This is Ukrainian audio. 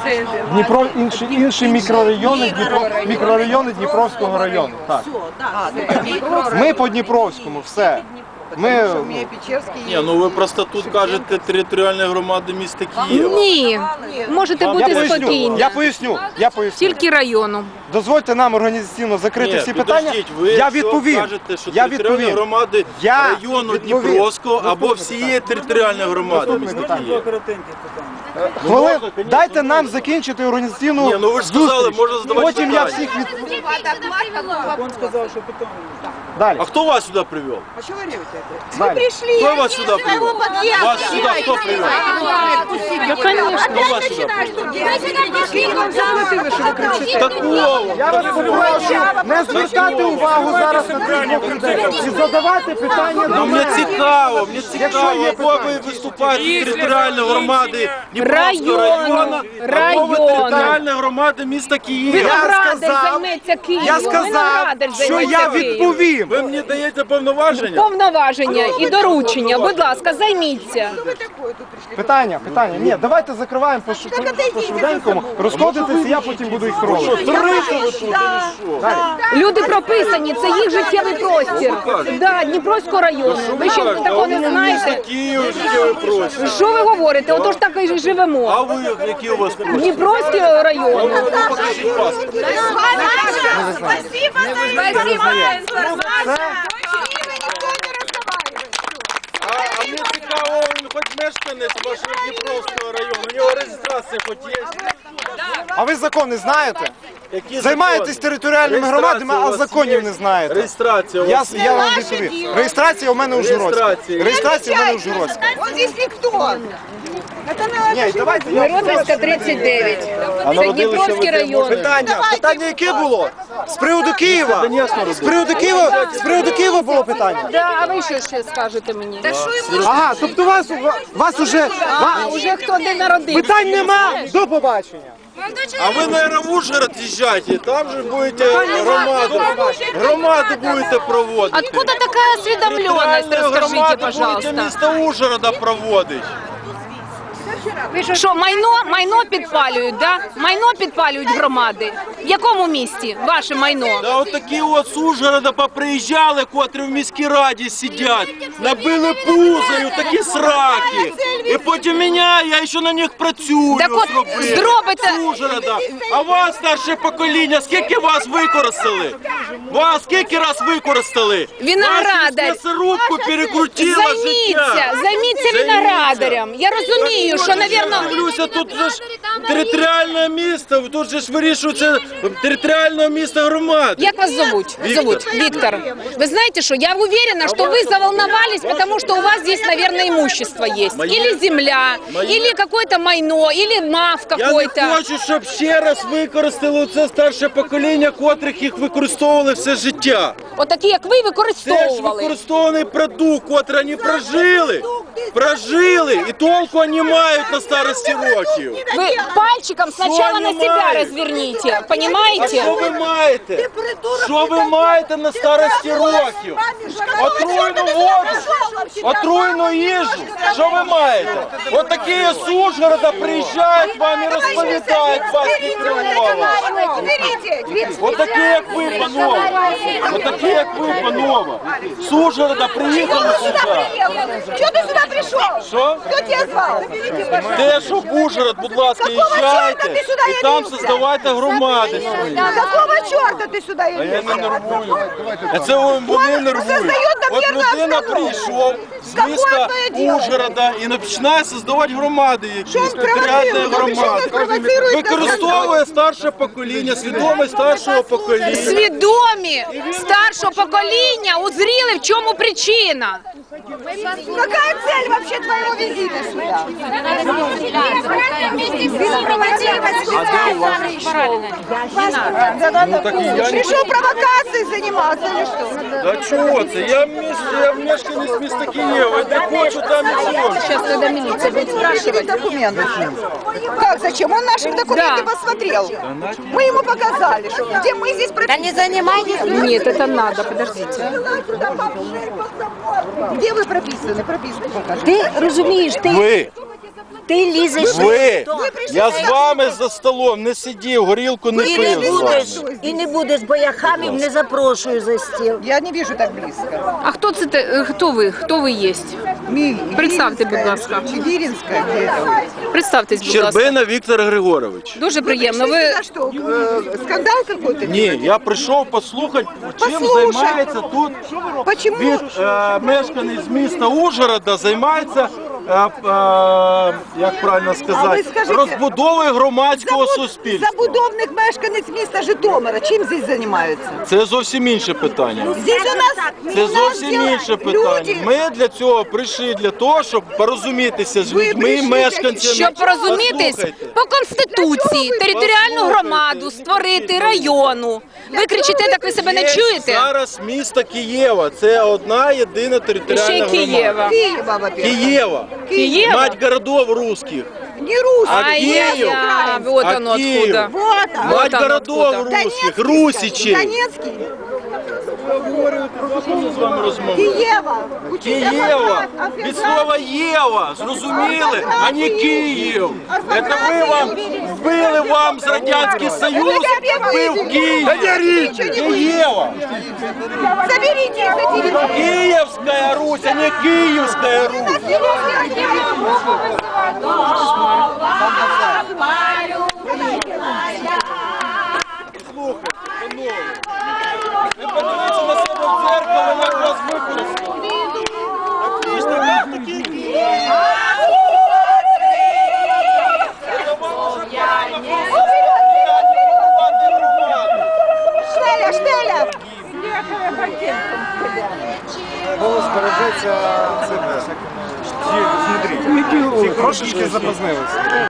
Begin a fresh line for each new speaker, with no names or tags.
Дніпро, інші мікрорайони Дніпровського району. Так. Ми по Дніпровському, все.
Ні, ну ви просто тут кажете територіальні громади міста Києва.
Ні, можете бути спокійні.
Я поясню.
Тільки району.
Дозвольте нам організаційно закрити всі питання. Я відповім.
Ви кажете, що територіальні громади району Дніпровського або всієї територіальної громади міста Києва.
Дайте нам закінчити організаційну
зустріч. Ну ви ж сказали, можна задавати
Потім я
питання.
всіх
Он сказал, что потом.
Далі.
А хто вас сюди привів?
А что вы ревете?
Далі.
Хто вас сюди привів? Вас сюди хто привів?
Ну, конечно.
Хто вас сюди привів? Такого!
Я вас попрошу не звертати увагу зараз на цих людей і задавати питання до
Ну, мені
мене.
цікаво,
Якщо є
або ви виступаєте територіальної громади Дніпровського району, або ви територіальної громади міста Києва.
Виноградар займеться Києвом.
Я сказав,
Виноградар
що
займеться
я
Києвом.
відповім.
Ви мені даєте повноваження?
Повноваження і доручення, будь ласка, займіться.
Питання. Ні, давайте закриваємо по швиденькому. Розходитися, я потім буду їх проводити.
Люди прописані, це їх життєвий простір. Да, Дніпровського району. Ви ще такого не знаєте?
Київ, життєвий простір.
Що ви говорите? Отож так і живемо.
А ви, які у вас простір?
Дніпровського району.
Покажіть паспорт.
Спасибо за информацию.
А мені цікаво, він хоч мешканець вашого Дніпровського району, у нього реєстрація хоч є?
А ви закони знаєте?
Які
Займаєтесь
закони?
територіальними громадами, а законів не знаєте.
Реєстрація у вас
Я вам відповім. Реєстрація у мене у Журоцькій. Реєстрація у мене у Журоцькій.
Он здесь никто.
Ні, давайте я...
Миронівська, 39. Це Дніпровський район.
Питання яке було? З приводу Києва? З приводу Києва було питання?
Да, а ви що ще скажете мені?
Ага, тобто вас уже...
Уже хто де народився?
Питань нема, до побачення.
А ви, наверное, в Ужгород їжджайте, там же будете громаду будете проводити.
Откуда такая осведомленность? Расскажите,
Будете
пожалуйста.
місто Ужгорода проводити.
Що, майно підпалюють, да? Майно підпалюють громади. В якому місті ваше майно?
Да от такі от з Ужгорода поприїжджали, котрі в міській раді сидять, набили пузою такі сраки. І потім мене, я ще на них працюю,
Так от, зробите...
з Ужгорода. А вас, старше покоління, скільки вас використали? Вас скільки раз використали?
Виноградар.
Вас м'ясорубку перекрутило життя.
Займіться виноградарем. Я розумію, що, навірно...
Дивлюся, тут же ж територіальне місто, тут же ж вирішується територіальне місто громади.
Как вас зовут? Виктор. Вы знаете что, я уверена, что вы заволновались, потому что у вас здесь, наверное, имущество есть. Или земля, или какое-то майно, или МАФ какой-то.
Я не хочу, щоб ще раз використали це старше покоління, котрих їх використовували все життя.
От такі, як ви,
Це ж
використовували.
використований продукт, котрий вони прожили, і толку вони мають на старості років.
Вы пальчиком сначала на себя разверните,
А
понимаете?
що ви маєте? Що ви маєте на старості років? Отруйну воду, отруйну їжу. Що ви маєте? От такі з Ужгорода приїжджають вам і розповідають басні Кривова. От такі, як ви, панове. От такі, як ви, панове. З Ужгорода приїхали сюди.
Чего ты сюда пришел?
Що?
Кто тебя звал?
Те, що в Ужгород, будь ласка, їжджайте і там создавайте громади свої.
Какого черта ты сюда
А я
идешь?
не нервую. А це вони нервують. От людина прийшов з міста Ужгорода і починає створювати громади якісь, територіальні громади. Використовує старше покоління, свідомість старшого покоління.
Свідомі старшого покоління узріли, в чому причина.
Какая цель вообще твоего визита сюда? Пришел провокацией заниматься или что?
Да чого це? Я мешканець міста Києва, я не хочу там і все.
Сейчас когда милиция будет спрашивать.
Документы. Как, зачем? Он наши документы посмотрел. Мы ему показали, что где мы здесь прописаны. Да не занимайтесь.
Нет, это надо, подождите.
Где вы прописаны? Прописаны покажите.
Ти розумієш, ти...
Ви
Ти лізеш.
Ви, я з вами за столом не сидів, горілку не
І не
пив з
будеш,
вами.
і не будеш, бо я хамів не запрошую за стіл.
Я не вижу так близко.
А хто це хто ви? Хто ви є? Представте, будь ласка.
Чигиринская, где это?
Представтесь, будь ласка.
Щербина Віктор Григорович.
Дуже приємно.
Пришли
Ви
сюда что, скандал какой-то?
Ні, я прийшов послухати, чим
Послухай.
займається тут
Почему?
від мешканець міста Ужгорода, займається, як правильно
А
сказати,
ви скажіть,
розбудовою громадського суспільства.
Забудовник мешканець міста Житомира. Чим здесь займаються?
Це зовсім інше питання.
Здесь у нас...
Це
у нас
зовсім
дела-
інше питання.
Люди,
Ми для цього прийшли для того, щоб порозумітися з
Ви
людьми,
прийшли
мешканцями.
щоб порозумітись
Послухайте.
по Конституції, територіальну
Послухайте.
громаду створити, району. Ви кричите, так ви себе не
Є
чуєте?
зараз місто Києва. Це одна єдина
І
територіальна
ще й
громада.
Києва.
Киева, во-первых.
Києва.
Києва?
Мать городов русских.
Не русский.
А Киев?
Ай-я, вот
А
оно
Киев?
откуда.
Вот он.
Мать
оно
городов
откуда.
русских,
Донецкий,
русичей.
Донецкий.
З вами розмовляю.
Киева. Учитель
Києва,
Афганистан.
від слова Єва, зрозуміли, а не Київ. Це ви вам вбили вам з Радянський Союз, вбив Київ. Києва.
Заберите их эти
Киевская Русь, а не Киевская Русь. Слухайте, панове, ви подивіться на себе в дзеркало, як вас використали. Так ви ж такі
Штеля, штеля.
Голос бережеться цими всякими. Ці, смотрите, ці трошечки запізнилися.